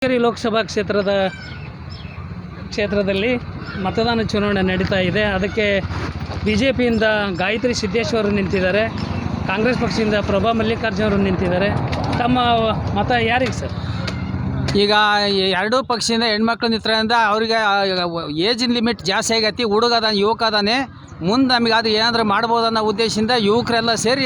ಲೋಕಸಭಾ ಕ್ಷೇತ್ರದಲ್ಲಿ ಮತದಾನ ಚುನಾವಣೆ ನಡೀತಾ ಇದೆ. ಅದಕ್ಕೆ ಬಿಜೆಪಿಯಿಂದ ಗಾಯತ್ರಿ ಸಿದ್ದೇಶ್ವರ್ ನಿಂತಿದ್ದಾರೆ, ಕಾಂಗ್ರೆಸ್ ಪಕ್ಷದಿಂದ ಪ್ರಭಾ ಮಲ್ಲಿಕಾರ್ಜುನ್ ಅವರು ನಿಂತಿದ್ದಾರೆ. ತಮ್ಮ ಮತ ಯಾರಿಗೆ ಸರ್? ಈಗ ಎರಡೂ ಪಕ್ಷದಿಂದ ಹೆಣ್ಮಕ್ಳು ನಿಂತ್ರಿಂದ ಅವ್ರಿಗೆ ಏಜಿನ ಲಿಮಿಟ್ ಜಾಸ್ತಿ ಆಗೈತಿ. ಹುಡುಗ ಅದಾನೆ, ಯುವಕ ಅದಾನೆ, ಮುಂದೆ ನಮಗೆ ಅದು ಏನಾದರೂ ಮಾಡ್ಬೋದು ಅನ್ನೋ ಉದ್ದೇಶದಿಂದ ಯುವಕರೆಲ್ಲ ಸೇರಿ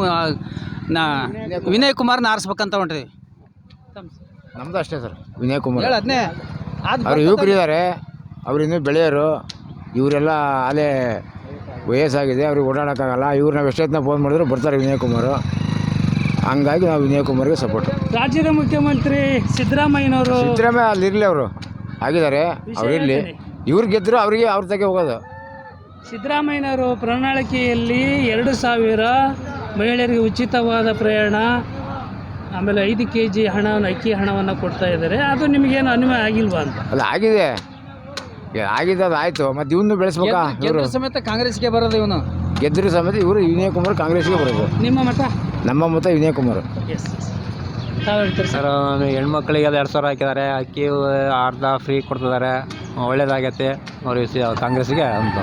ವಿನಯ್ ಕುಮಾರ್ನ ಆರಿಸ್ಬೇಕಂತ ಹೊಂಟ್ರಿ. ನಮ್ದು ಅಷ್ಟೇ ಸರ್, ವಿನಯ್ ಕುಮಾರ್ ಹೇಳದ್ನೇ ಅವ್ರು ಯುವಕರಿದ್ದಾರೆ, ಅವ್ರು ಇನ್ನೂ ಬೆಳೆಯೋರು. ಇವರೆಲ್ಲ ಅಲ್ಲೇ ವಯಸ್ಸಾಗಿದೆ, ಅವ್ರಿಗೆ ಓಡಾಡೋಕ್ಕಾಗಲ್ಲ. ಇವ್ರು ನಾವು ಎಷ್ಟೊತ್ತಿನ ಫೋನ್ ಮಾಡಿದ್ರು ಬರ್ತಾರೆ ವಿನಯ್ ಕುಮಾರ್. ಹಂಗಾಗಿ ನಾವು ವಿನಯ್ ಕುಮಾರ್ಗೆ ಸಪೋರ್ಟ್. ರಾಜ್ಯದ ಮುಖ್ಯಮಂತ್ರಿ ಸಿದ್ದರಾಮಯ್ಯನವರು ಅಲ್ಲಿರಲಿ, ಅವರು ಆಗಿದ್ದಾರೆ, ಅವರಿರಲಿ. ಇವ್ರು ಗೆದ್ದರು ಅವರಿಗೆ ಅವ್ರ ತಗೆ ಹೋಗೋದು. ಸಿದ್ದರಾಮಯ್ಯನವರು ಪ್ರಣಾಳಿಕೆಯಲ್ಲಿ 2,000 ಮಹಿಳೆಯರಿಗೆ ಉಚಿತವಾದ ಪ್ರಯಾಣ, ಆಮೇಲೆ 5 kg ಅಕ್ಕಿ ಹಣವನ್ನು ಕೊಡ್ತಾ ಇದ್ದಾರೆ. ಅದು ನಿಮಗೇನು ಅನ್ವಯ ಆಗಿಲ್ವಾ ಅಂತ? ಅಲ್ಲ, ಆಗಿದೆ ಅದು ಆಯಿತು. ಮತ್ತು ಇವನು ಬೆಳೆಸ್ಬೇಕಾ? ಇವರು ಸಮೇತ ಕಾಂಗ್ರೆಸ್ಗೆ ಬರೋದು, ಇವನು ಗೆದ್ದರು ಸಮೇತ ಇವರು ವಿನಯ್ ಕುಮಾರ್ ಕಾಂಗ್ರೆಸ್ಗೆ ಬರೋದು. ನಿಮ್ಮ ಮತ? ನಮ್ಮ ಮತ ವಿನಯ್ ಕುಮಾರ್. ಎಸ್ ತಾವು ಹೇಳ್ತೀರಿ ಸರ್? ಹೆಣ್ಮಕ್ಳಿಗೆ 2,000 ಹಾಕಿದ್ದಾರೆ, ಅಕ್ಕಿ ಅರ್ಧ ಫ್ರೀ ಕೊಡ್ತಿದ್ದಾರೆ, ಒಳ್ಳೇದಾಗೈತೆ. ಅವ್ರಿಗೆ ಕಾಂಗ್ರೆಸ್ಗೆ ಅಂತ.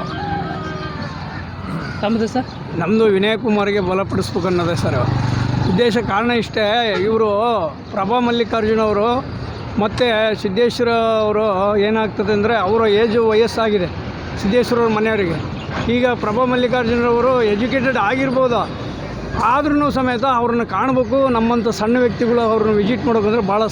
ತಮ್ಮದು ಸರ್? ನಮ್ಮದು ವಿನಯ್ ಕುಮಾರ್ಗೆ ಬಲಪಡಿಸ್ಬೇಕು ಅನ್ನೋದೇ ಸರ್ ಉದ್ದೇಶ. ಕಾರಣ ಇಷ್ಟೇ, ಇವರು ಪ್ರಭಾ ಮಲ್ಲಿಕಾರ್ಜುನ್ ಅವರು ಮತ್ತು ಸಿದ್ದೇಶ್ವರ ಅವರು ಏನಾಗ್ತದೆ ಅಂದರೆ ಅವರ ವಯಸ್ಸಾಗಿದೆ ಸಿದ್ದೇಶ್ವರ ಮನೆಯವರಿಗೆ. ಈಗ ಪ್ರಭಾ ಮಲ್ಲಿಕಾರ್ಜುನರವರು ಎಜುಕೇಟೆಡ್ ಆಗಿರ್ಬೋದು, ಆದ್ರೂ ಸಮೇತ ಅವ್ರನ್ನ ಕಾಣಬೇಕು. ನಮ್ಮಂಥ ಸಣ್ಣ ವ್ಯಕ್ತಿಗಳು ಅವ್ರನ್ನ ವಿಸಿಟ್ ಮಾಡೋಕಂದ್ರೆ ಭಾಳ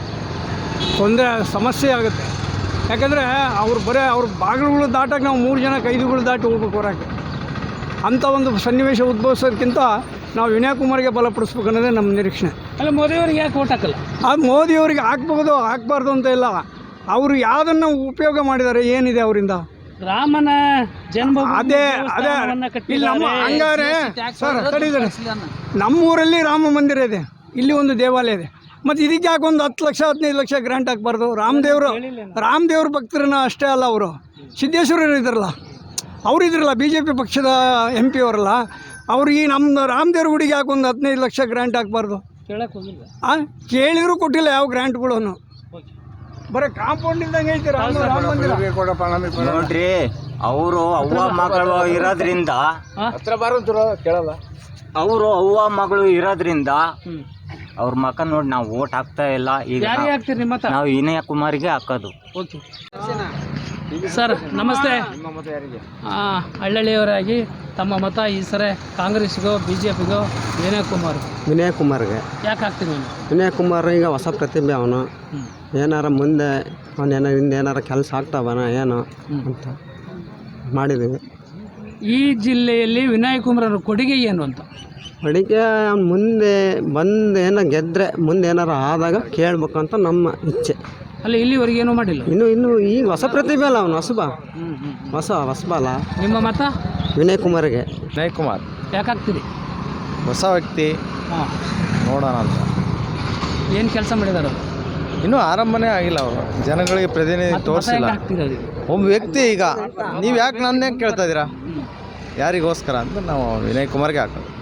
ಸಮಸ್ಯೆ ಆಗುತ್ತೆ. ಯಾಕಂದರೆ ಅವ್ರು ಅವ್ರ ಬಾಗಿಲುಗಳು ದಾಟಕ್ಕೆ ನಾವು 3 ಜನ 5 ದಾಟಿ ಹೋಗ್ಬೇಕು ಹೊರಕ್ಕೆ. ಅಂಥ ಒಂದು ಸನ್ನಿವೇಶ ಉದ್ಭವಿಸೋದಕ್ಕಿಂತ ನಾವು ವಿನಯ್ ಕುಮಾರ್ಗೆ ಬಲಪಡಿಸ್ಬೇಕು ಅನ್ನೋದೇ ನಮ್ಮ ನಿರೀಕ್ಷೆ. ಅಲ್ಲ, ಮೋದಿಯವ್ರಿಗೆ ಯಾಕೆ ಓಟ್ ಹಾಕಲ್ಲ? ಮೋದಿಯವರಿಗೆ ಹಾಕ್ಬಾರ್ದು ಅಂತ ಇಲ್ಲ. ಅವರು ಯಾವುದನ್ನು ಉಪಯೋಗ ಮಾಡಿದ್ದಾರೆ, ಏನಿದೆ ಅವರಿಂದ? ರಾಮನ ಜನ್ಮ ಅದೇ ಇಲ್ಲಿ ನಮ್ಮ ಹಂಗಾರೆ ಸರ್ ತಡೀತಾರೆ. ನಮ್ಮೂರಲ್ಲಿ ರಾಮ ಮಂದಿರ ಇದೆ, ಇಲ್ಲಿ ಒಂದು ದೇವಾಲಯ ಇದೆ. ಮತ್ತು ಇದಕ್ಕೆ ಯಾಕೆ ಒಂದು 10 ಲಕ್ಷ 15 ಲಕ್ಷ ಗ್ರಾಂಟ್ ಹಾಕ್ಬಾರ್ದು? ರಾಮದೇವ್ರ ಭಕ್ತರನ್ನ ಅಷ್ಟೇ ಅಲ್ಲ, ಅವರು ಸಿದ್ದೇಶ್ವರರು ಇದ್ರಲ್ಲ, ಅವರು ಇದ್ರಲ್ಲ, BJP ಪಕ್ಷದ MP ಅವರಲ್ಲ, ಅವ್ರಿಗೆ ನಮ್ಮ ರಾಮದೇವ್ರ ಗುಡಿಗೆ ಯಾಕೆ ಒಂದು 15 ಲಕ್ಷ ಗ್ರಾಂಟ್ ಹಾಕ್ಬಾರ್ದು? ಕೇಳಿದ್ರು ಕೊಟ್ಟಿಲ್ಲ ಯಾವ ಗ್ರಾಂಟ್ಗಳನ್ನು. ಬರೀ ಕಾಂಪೌಂಡ್ ಇದ್ದಂಗೆ ಐತಿ ರಾಮ ಮಂದಿರ. ನೋಡ್ರಿ, ಅವರು ಅವ್ವ ಮಗಳು ಇರೋದ್ರಿಂದ ಕೇಳಲ್ಲ. ಅವರು ಅವ್ವ ಮಗಳು ಇರೋದ್ರಿಂದ ಅವ್ರ ಮಕ್ಕ ನೋಡಿ ನಾವು ಓಟ್ ಹಾಕ್ತಾ ಇಲ್ಲ. ಈಗ ನಾವು ವಿನಯ್ ಕುಮಾರ್ಗೆ ಹಾಕೋದು. ಸರ್ ನಮಸ್ತೆ. ಹಳ್ಳಿಯವರಾಗಿ ತಮ್ಮ ಮತ ಈ ಸರಿ ಕಾಂಗ್ರೆಸ್ಗೋ BJPಗೋ ವಿನಯ್ ಕುಮಾರ್ಗೆ ಯಾಕೆ ಹಾಕ್ತೀನಿ? ವಿನಯ್ ಕುಮಾರ್ ಈಗ ಹೊಸ ಪ್ರತಿಭೆ, ಅವನು ಏನಾರ ಮುಂದೆ ಹಿಂದೆ ಏನಾರ ಕೆಲಸ ಆಗ್ತಾವನ ಏನೋ ಅಂತ ಮಾಡಿದ್ದೀವಿ. ಈ ಜಿಲ್ಲೆಯಲ್ಲಿ ವಿನಯ್ ಕುಮಾರ್ ಅವ್ರ ಕೊಡುಗೆ ಏನು ಅಂತ? ಕೊಡುಗೆ ಮುಂದೆ ಬಂದು ಗೆದ್ದರೆ ಮುಂದೆ ಏನಾರ ಆದಾಗ ಕೇಳಬೇಕು ಅಂತ ನಮ್ಮ ಇಚ್ಛೆ. ಅಲ್ಲಿ ಇಲ್ಲಿವರೆಗೆ ಏನೂ ಮಾಡಿಲ್ಲ. ಇನ್ನು ಈಗ ಹೊಸ ಪ್ರತಿಭೆ ಅಲ್ಲ ಅವನು, ಹೊಸಬ ಅಲ್ಲ. ನಿಮ್ಮ ಮತ? ವಿನಯ್ ಕುಮಾರ್ಗೆ. ವಿನಯ್ ಕುಮಾರ್ ಯಾಕೆ ಹಾಕ್ತೀರಿ? ಹೊಸ ವ್ಯಕ್ತಿ, ನೋಡೋಣ ಅಂತ. ಏನು ಕೆಲಸ ಮಾಡಿದಾರೆ? ಇನ್ನೂ ಆರಂಭನೇ ಆಗಿಲ್ಲ. ಅವರು ಜನಗಳಿಗೆ ಪ್ರತಿನಿಧಿ ತೋರಿಸಿಲ್ಲ. ಒಬ್ಬ ವ್ಯಕ್ತಿ. ಈಗ ನೀವು ಯಾಕೆ ನನ್ನೇ ಕೇಳ್ತಾ ಇದ್ದೀರಾ ಯಾರಿಗೋಸ್ಕರ ಅಂತ ನಾವು ವಿನಯ್ ಕುಮಾರ್ಗೆ ಹಾಕೋದು.